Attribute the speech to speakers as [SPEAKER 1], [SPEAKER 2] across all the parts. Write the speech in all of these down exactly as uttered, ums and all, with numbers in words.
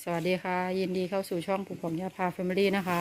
[SPEAKER 1] สวัสดีค่ะยินดีเข้าสู่ช่องปู่ของยาพาแฟมิลี่นะคะ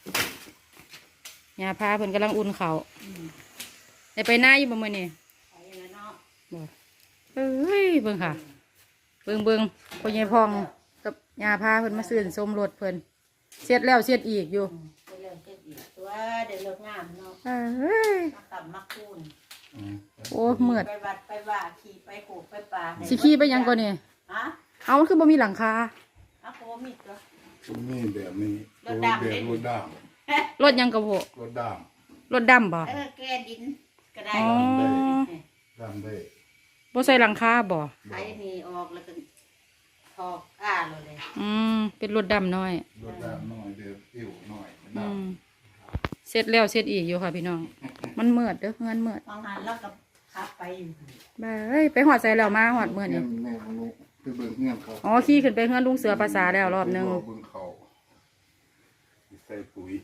[SPEAKER 1] ยาพาเพิ่นกำลังอุ่นเขาได้ไปหน้าอยู่บ่มื้อนี้บ่เอ้ยเบิ่งค่ะเบิ่งเบิ่งพ่อใหญ่พองกับยาพาเพิ่นมาซื้อส้มรถเพิ่นเสียดแล้วเสียดอีกอยู่
[SPEAKER 2] ตัวเดี๋ยวเลิกงามเนาะ
[SPEAKER 1] เอ้ย
[SPEAKER 2] มาขับมาคูน
[SPEAKER 1] โอ้เมือด
[SPEAKER 2] ไปวัดไปว่าขี่ไปโขกไปป่า
[SPEAKER 1] สิขี่ไปยังก่อนนี่
[SPEAKER 2] ฮะ
[SPEAKER 1] เอามันคือบ่มีหลังคา
[SPEAKER 2] อะโคมีตัว
[SPEAKER 3] นี่แบบนี้รถดำแบบรถด
[SPEAKER 1] รถยังกระโบ
[SPEAKER 3] ำรถด
[SPEAKER 1] รถดำบ่
[SPEAKER 2] เออแกดินก็ได้
[SPEAKER 1] อ๋อ
[SPEAKER 3] ดำได้
[SPEAKER 1] บ่ใส่หลังคาบ่
[SPEAKER 2] ไอ้นี่ออกแล้วก็ทอกอ้าเลย
[SPEAKER 1] อืมเป็นรถดำน้อย
[SPEAKER 3] รถดำน้อยเดือดอิ่วน้อยด
[SPEAKER 1] ำเสร็จแล้วเสร็จอีกอยู่ค่ะพี่น้องมันเมือดเด้อเงินเมือด
[SPEAKER 2] บางหันแล้วก็ขับไปอยู่
[SPEAKER 1] บ้าเอ้ยไปหอดใส่แล้วมาหอดเมือดนี่
[SPEAKER 3] แม่ของลูกไปเบิ่งเงื่อนเขา
[SPEAKER 1] อ๋อขี่ขึ้นไปเฮือนลุงเสือภาษาแล้วรอบนึง
[SPEAKER 3] เบิ่งเขาใส่ปุ๋ย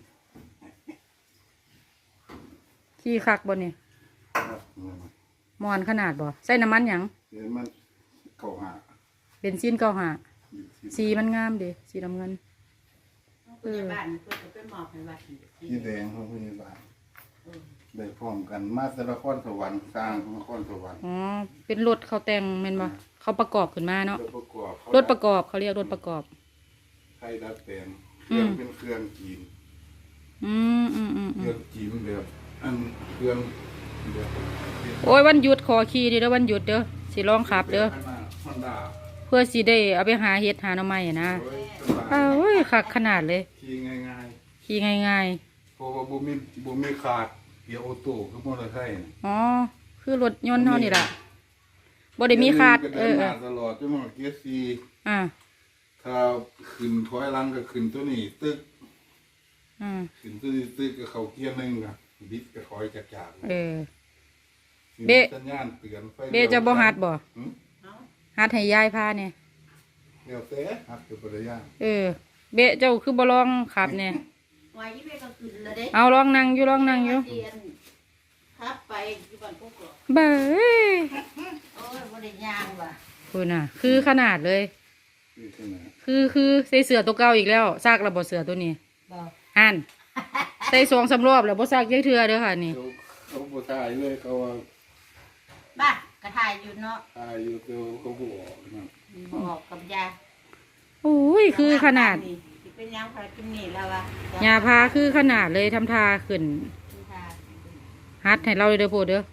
[SPEAKER 1] ขี่คักบ่นี่มอนขนาดบ่ใส่น้ำมันหยัง
[SPEAKER 3] เดี๋ยวมันเก่าหา
[SPEAKER 1] เป็นซีนเก่าหาสีมันงามดิสีน้ำเงิน
[SPEAKER 2] เออบ้านเพื่อไปมอบให้วัด
[SPEAKER 3] ที่แดงเขาพยาบาลได้พร้อมกันมาแต่ละครสวรรค์สร้างนครสวรรค์
[SPEAKER 1] อ๋อเป็นรถเขาแต่งแม่นบ่เขาประกอบขึ้นมาเนาะรถประกอบเขาเรียกรถประกอบ
[SPEAKER 3] ไทยดัดแปลงเครื่องเป็นเครื่องจีน
[SPEAKER 1] อืมอืมอืม
[SPEAKER 3] เครื่องจีนแบบอันเครื่องแบบ
[SPEAKER 1] โอ้ยวันหยุดขอขี่ดิเด้อวันหยุดเด้อสิลองขับเด้อเพื่อสิได้เอาไปหาเห็ดหาหน่อไม้นะเอ้ยคักขนาดเลย
[SPEAKER 3] ขี่ง่าย
[SPEAKER 1] ๆขี่ง่าย
[SPEAKER 3] ๆเพราะว่าบ่มีบ่มีขาดเกียร์ออโต้คือมอเตอร์ไซค์
[SPEAKER 1] อ๋อคือรถยนต์เท่านี่ล่ะบ่ได้มีขาดเออ
[SPEAKER 3] ตลอดจนมาเกียร์สี่
[SPEAKER 1] อ่า
[SPEAKER 3] ถ้าขึ้นถอยหลังก็ขึ้นตัวนี้ตึก
[SPEAKER 1] อืม
[SPEAKER 3] ขึ้นตัวนี้ตึกก็เข้าเกียร์หนึ่งก็บิดก็ถอยจากจาก
[SPEAKER 1] เออ
[SPEAKER 3] เบะสัญญาณเตือนไฟ
[SPEAKER 1] เบะจะบ่ฮัดบ่ฮัดให้ยายพาเนี่ย
[SPEAKER 3] เดี๋ยวเต้ฮัดกับภรรยา
[SPEAKER 1] เออเบะเจ้าคือบ่ลองขับเนี่ย
[SPEAKER 2] ไว้เบะก็ขึ้นแล้วเด้
[SPEAKER 1] เอาลองนั่งอยู่ลองนั่งอยู่
[SPEAKER 2] ครับไปอยู่บ้านพวกเรา
[SPEAKER 1] เบ้
[SPEAKER 2] โอ้ยบ่ได้ย่างว่ะ
[SPEAKER 1] คุณน่ะคือขนาดเลยคือคือใส่เสื้อตัวเก่าอีกแล้วซากระบบเสื้อตัวนี้อ่านใส่สองสามรอบแล้วบ่ซากยักเทื่อเด้อค่ะนี่
[SPEAKER 3] เขาบ่ถ่ายเลยเขาว่า
[SPEAKER 2] บ้ากระถ่ายอยู่เนาะ
[SPEAKER 3] ถ่ายอยู่ตัวเขาบ่ออกนะ
[SPEAKER 2] บ่ออกกับยา
[SPEAKER 1] โอ้ยคือขนาด
[SPEAKER 2] เป็นยางพากินนี่แล้วว่ะ
[SPEAKER 1] ยาพาคือขนาดเลยทำทาขึ้นฮัดให้เราเลยเด้อพูดเด้อ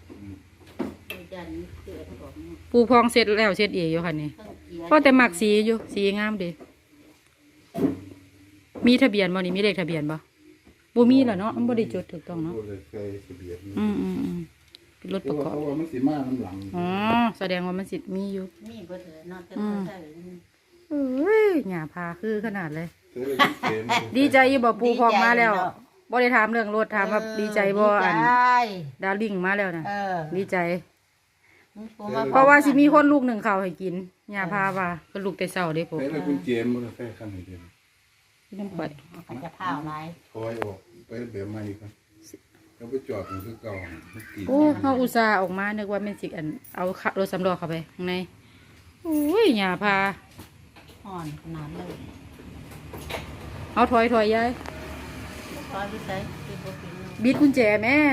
[SPEAKER 1] ปูพองเสร็จแล้วเสร็จอีกอยู่ค่ะนี่เพราะแต่หมักสีอยู่สีงามดีมีทะเบียนบ่นี่มีเลขทะเบียนบ่บ่มีแล้วเนาะมันบ่ได้จดถูกต้องเนาะอืมอืมอืมเป็นรถประกอบ
[SPEAKER 3] มันสิมาน้ำหลัง
[SPEAKER 1] อ๋อแสดงว่ามันสิมีอยู่
[SPEAKER 2] มีบ่เถอะเนาะแต่บ่ใช่
[SPEAKER 1] เอ้ยหญ้าพาคือขนาดเลยดีใจอยู่บ่ปูพองมาแล้วบ่ได้ถามเรื่องรถถามว่าดีใจบ่อันดาวลิงมาแล้วนะดีใจเพราะว่าสิมีคนลูกหนึ่งเขาให้กินหญ้าพาว่าก็ลูกแต่เช้าเด้พวก
[SPEAKER 3] ไปแล้วคุณเจมส์บ่ได้ใส่คันนี้เด้
[SPEAKER 1] พี่น้ำปัด
[SPEAKER 2] มันจะข้าวหลาย
[SPEAKER 3] ถอยออกไปแบบใหม่ครับเขาไปจอดอยู่คือเก่า
[SPEAKER 1] โอ้เฮาอุตส่าห์ออกมานึกว่าแม่นสิอันเอารถสำรองเข้าไปข้างในโอ้ยหญ้าพา
[SPEAKER 2] ห่อนขนาดเลย
[SPEAKER 1] เอาถอยถอยยาย
[SPEAKER 2] ถอยไปใส่
[SPEAKER 1] บิดกุญแจแม่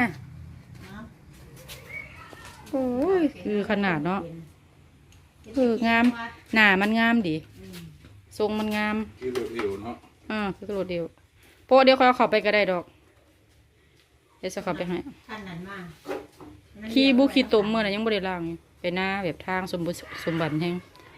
[SPEAKER 1] โอ้ยคือขนาดเนาะคืองามหน้ามันงามดิทรงมันงาม
[SPEAKER 3] คือรถเดียวเนาะ
[SPEAKER 1] อ่าคือรถเดียวโปะเดี๋ยวเขาเข้าไปก็ได้ดอกเดี๋ยวจะเข้าไปให้
[SPEAKER 2] ขั้นนั้นมาก
[SPEAKER 1] ขี้บุขี้ตุ่มเมื่อไหร่ยังบริล่างอยู่ไปหน้าแบบทางสมบูรณ์สมบัติแห้ง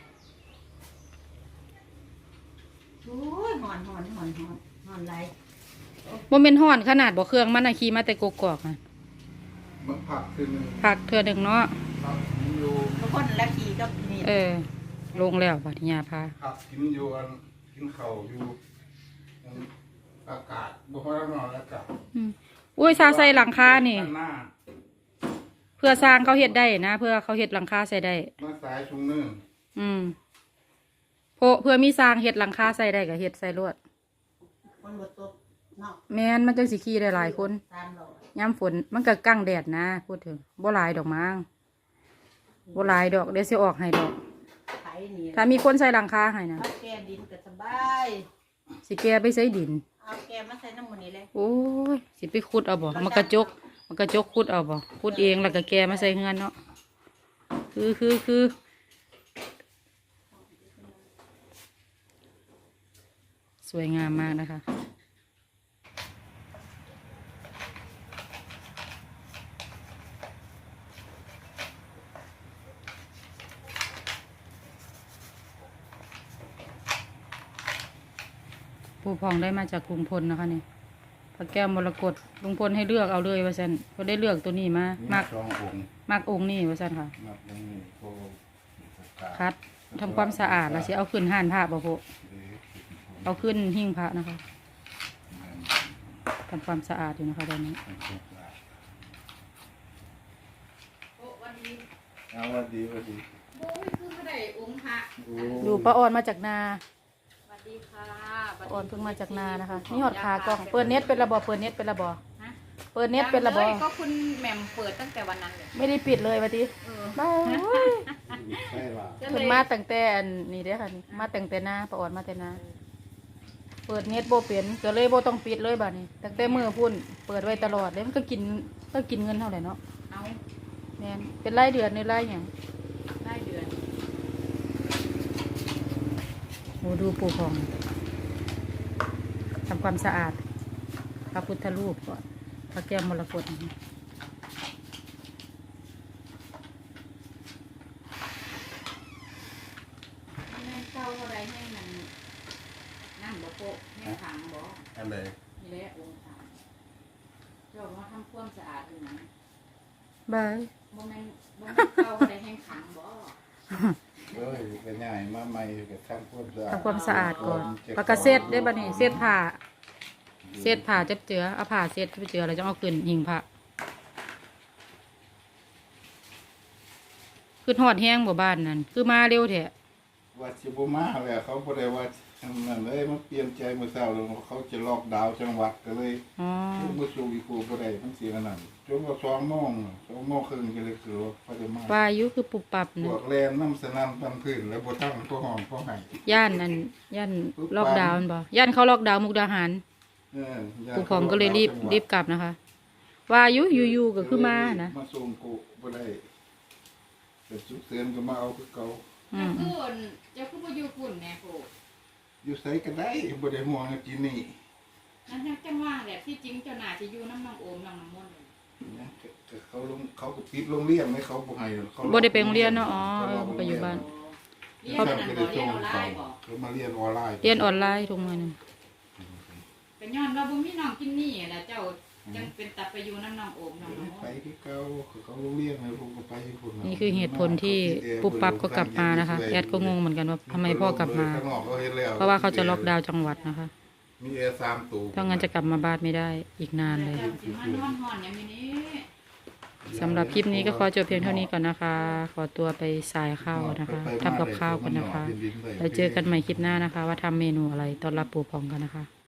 [SPEAKER 2] โอ้ยหอนหอนหอนหอนหอนไร
[SPEAKER 1] โมเมนต์ห่อนขนาดบ่เครื่องมันอะขี่มาแต่กกอกอ่ะ
[SPEAKER 3] มันผักขึ้น
[SPEAKER 1] ผักเถื่อหนึ่งเนาะ
[SPEAKER 2] ทุกคนละขี่ก็มี
[SPEAKER 1] เออลงแล้วบัดนี้พา
[SPEAKER 3] ผักกินอยู่อันกินข้าวอยู่อากาศบ่ค่อยร้อนอากาศ
[SPEAKER 1] อุ้ยซาใส่หลังคานี่เพื่อสร้างเขาเฮ็ดได้นะเพื่อเขาเฮ็ดหลังคาใส่ได้
[SPEAKER 3] มาสายชุงเนื่อง
[SPEAKER 1] อืมโพเพื่อมีสร้างเฮ็ดหลังคาใส่ได้กับเฮ็ดใส่ลวดแม่นมันจังสิขี่ได้หลายคนย้ำฝนมันก็กั้งแดดนะพูดถึงบ่หลายดอกมั้งบ่หลายดอกเดี๋ยวสิออกให้ดอก
[SPEAKER 2] นี่
[SPEAKER 1] ถ้ามีคนใส่หลังคาให้นะ
[SPEAKER 2] เอาแกดินก็สบาย
[SPEAKER 1] สิแกไปใส่ดิน
[SPEAKER 2] เอาแกมาใส่น้ำมันนี่เลย
[SPEAKER 1] โอ้ยสิไปขุดเอาบ่มันกระจกมันกระจกขุดเอาบ่ขุดเองแล้วก็แกมาใส่เงินเนาะคือคือคือสวยงามมากนะคะปูพองได้มาจากกรุงพลนะคะนี่พระแก้วมรกตลุงพลให้เลือกเอาเลยว่าซั่นเขาได้เลือกตัวนี้มา
[SPEAKER 3] มี
[SPEAKER 1] มาก
[SPEAKER 3] สององค์
[SPEAKER 1] มากองค์นี่ว่าซั่นค่ะ
[SPEAKER 3] มักองค์นี้โพกา
[SPEAKER 1] คัดทำความสะอาดแล้วสิเอาขึ้นห่านผ้าบ่พอ
[SPEAKER 3] เอ๊ะ
[SPEAKER 1] เอาขึ้นหิ้งพระนะคะทำความสะอาดอยู่นะคะตอนนี้
[SPEAKER 2] โอ้วันนี้
[SPEAKER 3] เอาว่าดีว่าดี
[SPEAKER 2] โอ้ยคือไม่ได้องค์พระ
[SPEAKER 3] โอ้
[SPEAKER 1] ดูป้าออนมาจากนา
[SPEAKER 2] สวัสดีค่ะ
[SPEAKER 1] ป้าออนเพิ่งมาจากนานะคะนี่หอดขากล้องเปิดเน็ตเป็นระบอเปิดเน็ตเป็นระบอ
[SPEAKER 2] ฮะ
[SPEAKER 1] เปิดเน็ตเป็นระบอ
[SPEAKER 2] ยังลยก็คุณแหม่มเปิดตั้งแต่วันนั้นเลย
[SPEAKER 1] ไม่ได้ปิดเลยวันที
[SPEAKER 2] เออ
[SPEAKER 1] บ้า
[SPEAKER 3] ใช่ป่ะ
[SPEAKER 2] ก็
[SPEAKER 1] เพิ่
[SPEAKER 2] เล
[SPEAKER 1] น
[SPEAKER 2] ย
[SPEAKER 1] มาตั้งแต่อันนี้เด้อค่ะนี่มาตั้งแต่นาป้าออนมาแต่นาเปิดเน็ตโบเป็นก็เลยโบต้องปิดเลยบัดนี้ตั้งแต่มือพุ่นเปิดไว้ตลอดเลยมันก็กินก็กินเงินเท่าไหร่เนาะ
[SPEAKER 2] เอา
[SPEAKER 1] แม่นเป็นรายเดือนในรายอย่าง
[SPEAKER 2] ได้เดือน
[SPEAKER 1] โหดูปูพองทำความสะอาดพระพุทธรูปก่อนพระแก้วมรกตนะคะ
[SPEAKER 2] แม่เก้าอะไรให้มันนั่นบ่โปะให้ขังบ่
[SPEAKER 3] อะไร
[SPEAKER 2] นี่แหละองค์ขังเรามาทำความสะอาดอยู่นะ
[SPEAKER 1] บาย
[SPEAKER 2] บ่แม่นบ่แม่นเก้าอะไรให้ขังบ่
[SPEAKER 3] เอ้ยก็ง่ายมาใหม่ก็ทำความสะอาด
[SPEAKER 1] ทำความสะอาดก่อนปากกาเซ็ตได้บัดนี้เซ็ตผ้าเซ็ตผ้าจับเจือเอาผ้าเซ็ตจับเจือแล้วจะเอาขึ้นหิงผ้าคือหอดแห้งบ่บ้านนั่นคือมาเร็วแท้
[SPEAKER 3] ว่าสิบ่มาแล้วเขาบ่ได้ว่าทำนั่นเลยมันเปลี่ยนใจเมื่อเช้าแล้วเขาจะล็อกดาวน์จังหวัดก็เลย
[SPEAKER 1] อ๋อ
[SPEAKER 3] บ่สู่อีกผู้บ่ได้มันเสียนั่นจนว่าสองโมงสองโมงครึ่งก็เลยคือว่าเขาจะมา
[SPEAKER 1] วายุคือปุบปับ
[SPEAKER 3] พ
[SPEAKER 1] นะ
[SPEAKER 3] วกแลนน้ำสนั่นปันพื้นแล้วบ่ทั้งพวกห้องพวกไห้
[SPEAKER 1] ย่านนั่นย่านล็อกดาวน์บ่ย่านเขาล็อกดาวน์มุกดาหาร
[SPEAKER 3] เออ
[SPEAKER 1] ผู้พองก็เลยรีบรีบกลับนะคะวายุอยู่ๆก็คือมานะ
[SPEAKER 3] มาส่งกูบ่ได้แต่สุกเสือนก็มาเอาคือเก่า
[SPEAKER 1] อื
[SPEAKER 2] เจ้าม คือเจ้าคือบ่อยู่ฝุ่นแหน่โปะ
[SPEAKER 3] อยู่ไสก็ได้บ่ได้ห่วงกินนี่
[SPEAKER 2] นั่นจังว่าแหละที่จริงเจ้าน่าจะอยู่น้ำน้องโอมน้องน้ำมนต์เลย
[SPEAKER 3] นะก็เขาลงเขาก็ปิดโรงเรียนไหมเขาบ่ให้เขา
[SPEAKER 1] บ่ได้ไปโรงเรียนเนาะอ๋อเออไปอยู่บ้าน
[SPEAKER 2] เรียน
[SPEAKER 3] เขา
[SPEAKER 2] นั่น
[SPEAKER 3] ก็
[SPEAKER 2] บ่
[SPEAKER 3] ได้
[SPEAKER 2] เรี
[SPEAKER 3] ส่
[SPEAKER 2] ยน
[SPEAKER 3] ง
[SPEAKER 2] ออนไล
[SPEAKER 3] เขา
[SPEAKER 2] น์บ่
[SPEAKER 3] เขามาเรียนออนไลน์
[SPEAKER 1] เรียนออนไลน์ทุกมื้อนี้
[SPEAKER 2] เป็นย้อนเราบ่มีน้องกินนี่แหละเจ้าจังเป็นตัดไปอยู่น้ำน้องโอมน้องน้ำม
[SPEAKER 3] ไป
[SPEAKER 2] นต์
[SPEAKER 3] ที่เก่าเขาโรงเรียนให้ผมก็ไปที่พุ่
[SPEAKER 1] นี่คือเหตุผลที่ปุ๊บปั๊บก็กลับมานะคะแอดก็งงเหมือนกันว่าทำไมพ่อกลับมา
[SPEAKER 3] ข้งนอกเขาเห็นแล้ว
[SPEAKER 1] เพราะว่าเขาจะล็อกดาวน์จังหวัดนะคะ
[SPEAKER 3] มีแอร์สามตู้
[SPEAKER 1] ถ้างั้นจะกลับมาบ้านไม่ได้อีกนานเลย
[SPEAKER 2] เจ้าสิมานอนหอนอย่างนี้
[SPEAKER 1] สำหรับคลิปนี้ก็ขอจบเพียงเท่านี้ก่อนนะคะ ขอตัวไปสายข้าวนะคะทำกับข้าวกันนะคะแล้วเจอกันใหม่คลิปหน้านะคะ ว่าทำเมนูอะไรต้อนรับปู่พองกันนะคะ